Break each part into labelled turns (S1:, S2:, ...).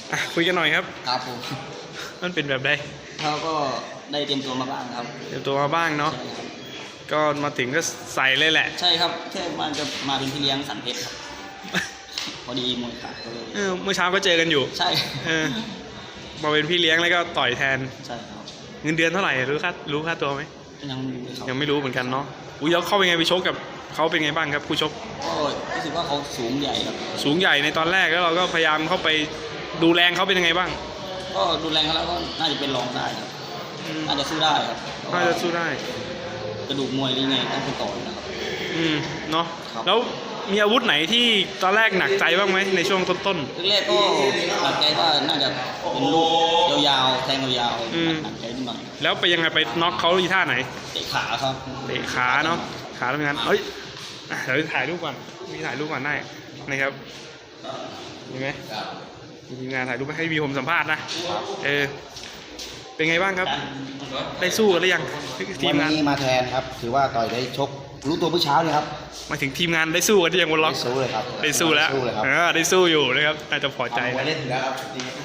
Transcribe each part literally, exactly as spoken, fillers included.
S1: อ่ะคุยกันหน่อยครับ
S2: ครับผม
S1: มันเป็นแบบใด
S2: เขาก็ได้เตรียมตัวมาบ้างครับ
S1: เตรียมตัวมาบ้างเนาะ
S2: ใช่ครับ
S1: ก็มาถึงก็ใส่เลยแหละ
S2: ใช่ครับแค่มันจะมาเป็นพี่เลี้ยงสันเพชรครับ พอดีมวยขาดก็เลย
S1: เออเมื่อเช้าก็เจอกันอยู่
S2: ใช่
S1: เออมาเป็นพี่เลี้ยงแล้วก็ต่อยแทน
S2: ใช่ครับ
S1: เงินเดือนเท่าไหร่รู้ค่ารู้ค่าตัวไหม
S2: ยังไม่รู้เลยครับ
S1: ยังไม่รู้เหมือนกันเนาะอุ้ยแล้วเข้าเป็นไงไปชกกับเขาเป็นไงบ้างครับคู่ชก
S2: ก็รู้สึกว่าเขาสูงใหญ่ครับ
S1: สูงใหญ่ในตอนแรกแล้วเราก็พยายามเข้าไปดูแรงเขาเป็นยังไงบ้าง
S2: ก็ดูแรงเขาแล้วก็น่าจะเป็นรองได้ครับ
S1: อืม
S2: น่าจะสู้ได้ครับ
S1: น่าจะสู้ได้
S2: กระดูกมวยหรือไงต้องเป็นต่อนะครับ
S1: อืมเนาะ
S2: ครับ
S1: แล้วมีอาวุธไหนที่ตอนแรกหนักใจบ้างไหมในช่วงต้น
S2: แรกๆก็หนักใจว่าน่าจะเป็นลูกยาวๆแทงยาว
S1: อืม
S2: ๆหนักใจนิดหน่อย
S1: ๆแล้วไปยังไงไปน็อกเขาอีท่าไหน
S2: เตะขาครับ
S1: เตะขาเนาะขาแล้วเป็นงั้นเฮ้ยอ่ะเดี๋ยวถ่ายรูปก่อนมีถ่ายรูปก่อนได้นะครับเห็นไหมมีทีมงานถ่ายรูปให้วีผมสัมภาษณ์นะเออเป็นไงบ้างครับ ได้สู้กันหรือยังที
S3: วั
S1: ม
S3: น
S1: งาน
S3: นี้มาแทนครับ ถือว่าต่อยได้ชก รู้ตัวเมื่อเช้าเนี่ยครับ
S1: มาถึงทีมงานได้สู้กันหรือยังบนล็อก
S3: ได้สู้เลยครับ
S1: ได้สู้แล้ว
S3: สู้เลยครับ
S1: เออได้สู้อยู่นะครับน่าจะพอใจ
S3: เอาไว้
S1: นะ
S3: เล่นอยู่แล้วครับ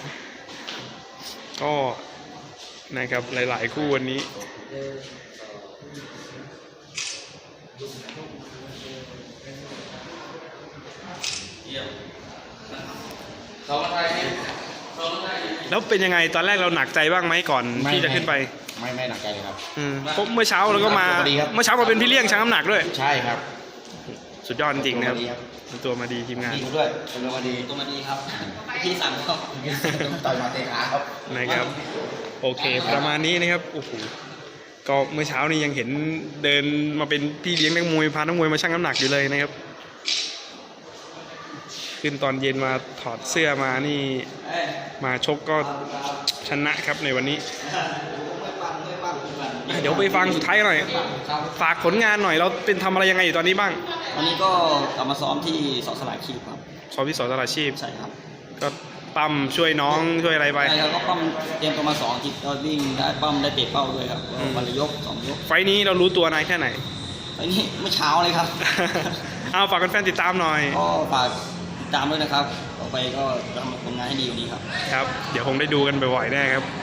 S1: ก็นะครับหลายๆคู่วันนี้แล้วเป็นยังไงตอนแรกเราหนักใจบ้างไหมก่อนที่จะขึ้นไป
S3: ไม่ไม่หนักใจเลยครับ
S1: อืมเพราะเมื่อเช้าเราก็มา
S3: สวัสดีครับ
S1: เมื่อเช้ามาเป็นพี่เลี้ยงชั่งน้ำหนักด้วย
S3: ใช่ครับ
S1: สุดยอดจริงๆนะครับ
S3: สวัสดีครับ
S1: ตัวมาดีทีมงาน
S3: ดีด้วยเป็นมาดี
S2: ตัวมาดีครับ พี่สั่งเขา
S3: ต่อยมาเตะขาครับ
S1: นะครับโอเคประมาณนี้นะครับโอ้โหก็เมื่อเช้านี้ยังเห็นเดินมาเป็นพี่เลี้ยงนักมวยพานักมวยมาชั่งน้ำหนักอยู่เลยนะครับขึ้นตอนเย็นมาถอดเสื้อมานี่มาชกก็ชนะครับในวันนี้อ่ะเดี๋ยวไปฟังสุดท้ายกันหน่อยฝากผลงานหน่อยเราเป็นทำอะไรยังไงอยู่ตอนนี้บ้าง
S2: วันนี้ก็กลับมาซ้อมที่สอสลายคีบครับ
S1: สอบที่สอนตลาดชีพ
S2: ใช่ครับ
S1: ก็ปั๊มช่วยน้องช่วยอะไรไป
S2: ใช่ครับก็ปั้มเตรียมตัวมาสองอาทิตย์ก็วิ่งได้ปั้มได้เตะเป้าด้วยครับ
S1: อืม
S2: วันละยกสองยก
S1: ไฟล์นี้เรารู้ตัวนายแค่ไหน
S2: ไอ้นี่เมื่อเช้าเลยครับ
S1: เอาฝากแฟนๆติดตามหน่อย
S2: ก็ฝากติดตามด้วยนะครับ ต่อไปก็จะทำผลงานให้ดีกว่านี้ครับ
S1: ครับ เดี๋ยวคงได้ดูกันบ่อยๆแน่ครับ